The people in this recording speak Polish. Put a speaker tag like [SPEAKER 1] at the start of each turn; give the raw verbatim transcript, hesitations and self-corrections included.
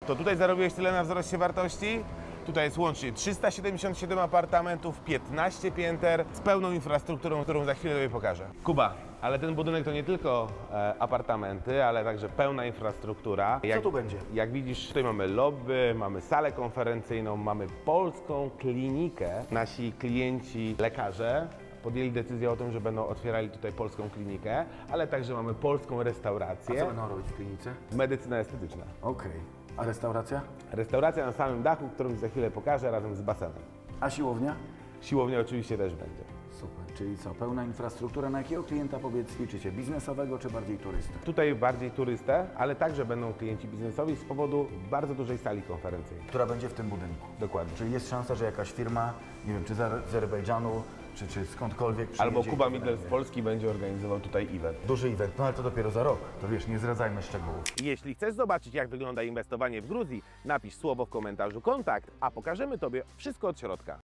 [SPEAKER 1] To tutaj zarobiłeś tyle na wzroście wartości? Tutaj jest łącznie trzysta siedemdziesiąt siedem apartamentów, piętnaście pięter z pełną infrastrukturą, którą za chwilę Tobie pokażę. Kuba, ale ten budynek to nie tylko e, apartamenty, ale także pełna infrastruktura. Jak,
[SPEAKER 2] Co tu będzie?
[SPEAKER 1] Jak widzisz, tutaj mamy lobby, mamy salę konferencyjną, mamy polską klinikę. Nasi klienci, lekarze podjęli decyzję o tym, że będą otwierali tutaj polską klinikę, ale także mamy polską
[SPEAKER 2] A
[SPEAKER 1] restaurację.
[SPEAKER 2] co będą robić w klinice?
[SPEAKER 1] Medycyna estetyczna.
[SPEAKER 2] Okej. A restauracja?
[SPEAKER 1] Restauracja na samym dachu, którą za chwilę pokażę, razem z basenem.
[SPEAKER 2] A siłownia?
[SPEAKER 1] Siłownia oczywiście też będzie.
[SPEAKER 2] Super. Czyli co, pełna infrastruktura. Na jakiego klienta, powiedz, liczycie? Biznesowego czy bardziej turystę?
[SPEAKER 1] Tutaj bardziej turystę, ale także będą klienci biznesowi z powodu bardzo dużej sali konferencyjnej.
[SPEAKER 2] Która będzie w tym budynku.
[SPEAKER 1] Dokładnie.
[SPEAKER 2] Czyli jest szansa, że jakaś firma, nie wiem, czy z Azerbejdżanu, czy, czy skądkolwiek przyjedzie.
[SPEAKER 1] Albo
[SPEAKER 2] i
[SPEAKER 1] Kuba
[SPEAKER 2] to
[SPEAKER 1] Midler z
[SPEAKER 2] będzie.
[SPEAKER 1] Polski będzie organizował tutaj event.
[SPEAKER 2] Duży event, no ale to dopiero za rok. To wiesz, nie zdradzajmy szczegółów.
[SPEAKER 1] Jeśli chcesz zobaczyć, jak wygląda inwestowanie w Gruzji, napisz słowo w komentarzu kontakt, a pokażemy Tobie wszystko od środka.